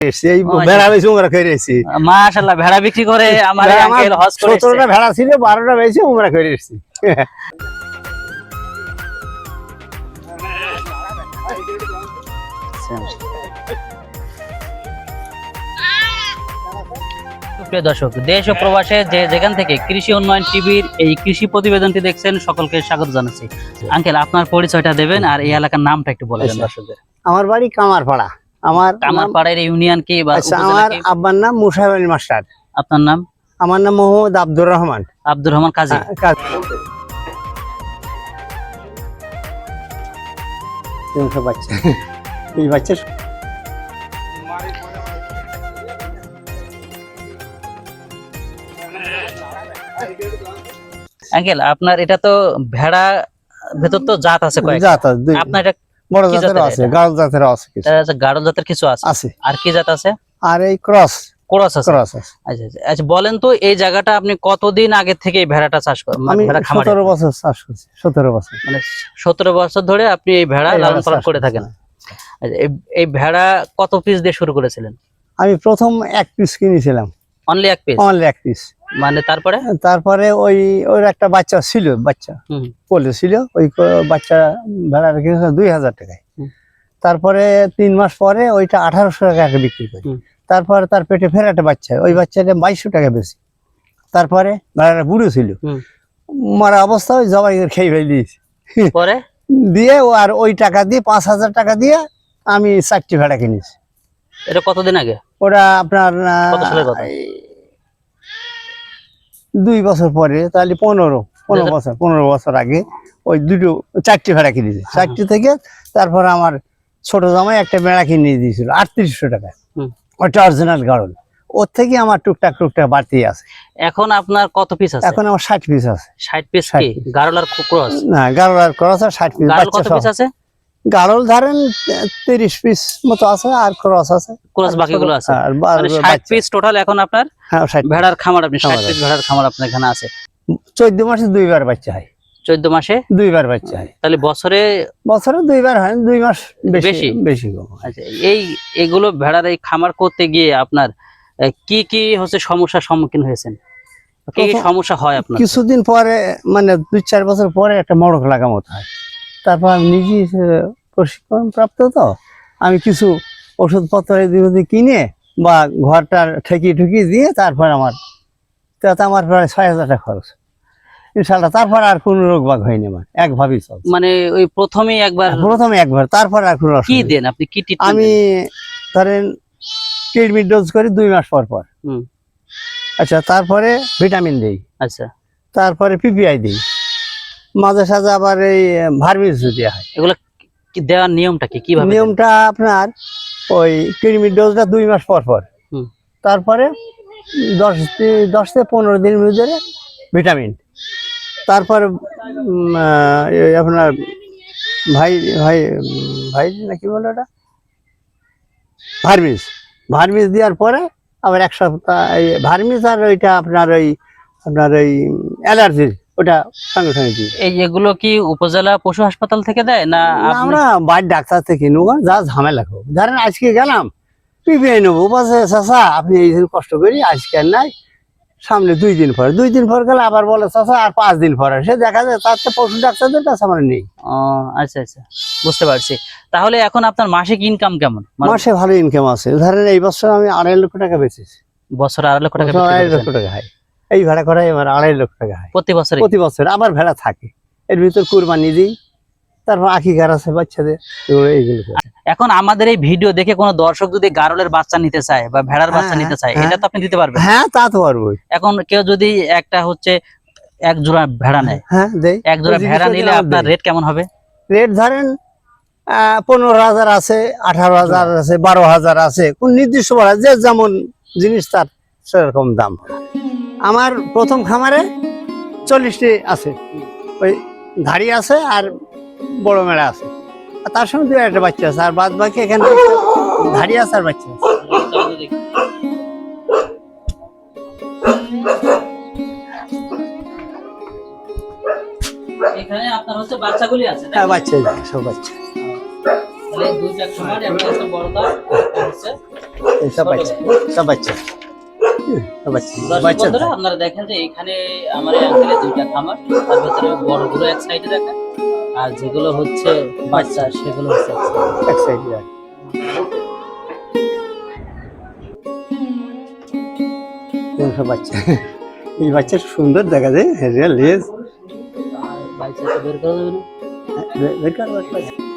মাশাআল্লাহ, ভেড়া বিক্রি করে আমার আঙ্কেল হজ করেছে। 17টা ভেড়া ছিল, 12টা বেশি উমরা করে এসেছি। প্রিয় দর্শক, দেশ ও প্রবাসে যেখান থেকে কৃষি উন্নয়ন টিভির এই কৃষি প্রতিবেদনটি দেখছেন সকলকে স্বাগত জানাচ্ছি। আঙ্কেল, আপনার পরিচয়টা দেবেন আর এই এলাকার নামটা একটু বলে দেন দর্শকদের। আমার বাড়ি কামারপাড়া। আমার কামারপাড়ার ইউনিয়ন কি বা আমার আব্বার নাম মুসাইব আলী মাস্টার। আপনার নাম? আমার নাম মোহাম্মদ আব্দুর রহমান। আব্দুর রহমান কাজী। বাচ্চা এই বাচ্চা আঙ্কেল, আপনার এটা তো ভেড়া ভেতর তো জাত আছে কয়েকটা। জাত আছে, আপনার এটা বড় জাতের আছে, গাঢ় জাতের আছে কিছু। আচ্ছা, গাঢ় জাতের কিছু আছে। আর কি জাত আছে? আর এই ক্রস আছে। আচ্ছা আচ্ছা, বলেন তো এই জায়গাটা আপনি কতদিন আগে থেকে এই ভেড়াটা চাষ করেন? আমি 17 বছর চাষ করছি। 17 বছর, মানে 17 বছর ধরে আপনি এই ভেড়া লালন পালন করে থাকেন। আচ্ছা, এই ভেড়া কত পিস দিয়ে শুরু করেছিলেন? আমি প্রথম 1 পিস কিনেছিলাম। Only 1 piece? Only 1 piece. মানে তারপরে ওর একটা বাচ্চা ছিল, বাচ্চা কোলে ছিল, ওই বাচ্চা ভেড়া কিনেছিলাম 2000 টাকায়। তারপরে 3 মাস পরে ওইটা 1800 টাকা বিক্রি করি। তারপরে তার পেটে ফের একটা বাচ্চা, ওই বাচ্চাটা 2200 টাকা বেশি। তারপরে ভেড়াটা বুড়ো ছিল, মারা অবস্থা, ওই জবাই খেয়ে ফেলে দিয়েছি। পরে দিয়ে আর ওই টাকা দিয়ে 5000 টাকা দিয়ে আমি 4টি ভেড়া কিনেছি। এটা কতদিন আগে? ওটা আপনার 2 বছর পরে, তাহলে 15 বছর আগে ওই 4টি ভেড়া কিনেছি। 4টি থেকে তারপর আমার ছোট জামাই একটা ভেড়া কিনে দিয়েছিল 3800 টাকা। ওটা অরিজিনাল গাড়ল। ওর থেকে আমার টুকটাক বাড়তি আছে। এখন আপনার কত পিস আছে? এখন আমার 60 পিস আছে। 60 পিস কি গাড়ল আর ক্রস? না, গাড়ল আর ক্রস আর 60 পিস। গাড়ল কত পিস আছে? গাড়ল ধরেন 30 পিস মতো আছে, আর ক্রস আছে, ক্রস বাকিগুলো আছে। মানে 60 পিস টোটাল এখন আপনার ভেড়ার খামার। আপনি 60 পিস ভেড়ার খামার আপনার এখানে আছে। 14 মাসে 2 বার বাচ্চা হয়। 14 মাসে 2 বার বাচ্চা হয়। তাহলে বছরে 2 বার হয়, 2 মাস বেশি। আচ্ছা, এইগুলো ভেড়ার এই খামার করতে গিয়ে আপনার কি কি হচ্ছে সমস্যার সম্মুখীন হয়েছেন? কি কি সমস্যা হয় আপনার? কিছুদিন পরে, মানে 2-4 বছর পরে একটা মড়ক লাগা মতো হয়। তারপর আমি নিজে প্রশিক্ষণ প্রাপ্ত, তো আমি কিছু ওষুধপত্র কিনে বা ঘরটা ঠেকিয়ে দিয়ে তারপর তাতে আমার প্রায় 6000 টাকা খরচ ইনশাল্লাহ। তারপর আর কোনো রোগ বাগ হয়নি আমার, একভাবেই চলছে। মানে ওই প্রথমে একবার, তারপর আর কোনো কি দেন আপনি? কি আমি ধরেন কিডনি ডোজ করি 2 মাস পর। আচ্ছা, তারপরে ভিটামিন দিই। আচ্ছা, তারপরে পিপিআই দিই, মাঝে সাঝে আবার এই ভার্মিস দেওয়া হয়। এগুলো দেওয়ার নিয়মটা কি? কিভাবে? নিয়মটা আপনার ওই কিডনি ডোজটা 2 মাস পর। তারপরে 10 থেকে 15 দিনের ভিতরে ভিটামিন। তারপর আপনার ভাই নাকি বলে ওটা, ভার্মিস দেওয়ার পরে আবার 1 সপ্তাহ ভার্মিস, আর ওইটা আপনার ওই অ্যালার্জি, ওটা সঙ্গে দিই। এগুলো কি উপজেলা পশু হাসপাতাল থেকে দেয় না আমরা বাড়ির ডাক্তার থেকে নেব? যা ঝামেলা হোক, ধরেন আজকে গেলাম পিপিআই নেবো, বলছে চাচা আপনি এই দিন কষ্ট করি, আজকে আর নাই, সামনে 2 দিন পর গেলে আবার বলে চাচা আর 5 দিন পরে। সে দেখা যায় তার পশু ডাক্তারদের কাছে আমার নেই। আচ্ছা আচ্ছা, বুঝতে পারছি। তাহলে এখন আপনার মাসিক ইনকাম কেমন? মাসে ভালো ইনকাম আছে। ধরেন এই বছর আমি 2.5 লক্ষ টাকা বেচেছি। বছরে 2.5 লক্ষ টাকা? 2.5 লক্ষ টাকা হয় এই ভেড়া করাই আমার। 2.5 লক্ষ টাকা হয় প্রতি বছর। আবার ভেড়া থাকে, এর ভিতর কুরবানি দিই, তারপর আকিকার আছে বাচ্চাদের, এইগুলো। এখন আমাদের এই ভিডিও দেখে কোনো দর্শক যদি গাড়লের বাচ্চা নিতে চায় বা ভেড়ার বাচ্চা নিতে চায়, এটা তো আপনি দিতে পারবেন? হ্যাঁ, তা তো পারবো। এখন কেউ যদি একটা হচ্ছে 1 জোড়া ভেড়া নেয়, 1 জোড়া ভেড়া নিলে আপনার রেট কেমন হবে? রেট ধরেন 15,000 আছে, 18,000 আছে, 12,000 আছে। কোন নির্দিষ্ট বলা, যে যেমন জিনিস তার সেরকম দাম। আমার প্রথম খামারে 40টি আছে, ওই ধাড়ি আছে আর বড় মেড়া আছে, আর তার সঙ্গে 2-1টা বাচ্চা আছে, আর বাদ বাকি এখানে ধাড়ি আছে আর বাচ্চা আছে। এখানে আপনার হচ্ছে বাচ্চাগুলি আছে? হ্যাঁ, বাচ্চা, সব বাচ্চা। তাহলে 2 1 সমান একটা বড় দাম হচ্ছে এই সব বাচ্চা, সব বাচ্চা। সব বাচ্চা, দর্শক বাচ্চা বন্ধুরা, আপনারা দেখেন যে এখানে আমার এই আঙ্কেলের দুইটা খামার, তার ভিতরে বড়গুলো এক সাইডে রাখা, আর যেগুলো হচ্ছে বাচ্চা সেগুলো হচ্ছে এক side এ। এক সাইড রাখ। এই সব বাচ্চা, এই বাচ্চা সুন্দর দেখা যায়, রিয়েল লেজ। বাচ্চাটা বের করা যাবে না? বেকার বাচ্চা।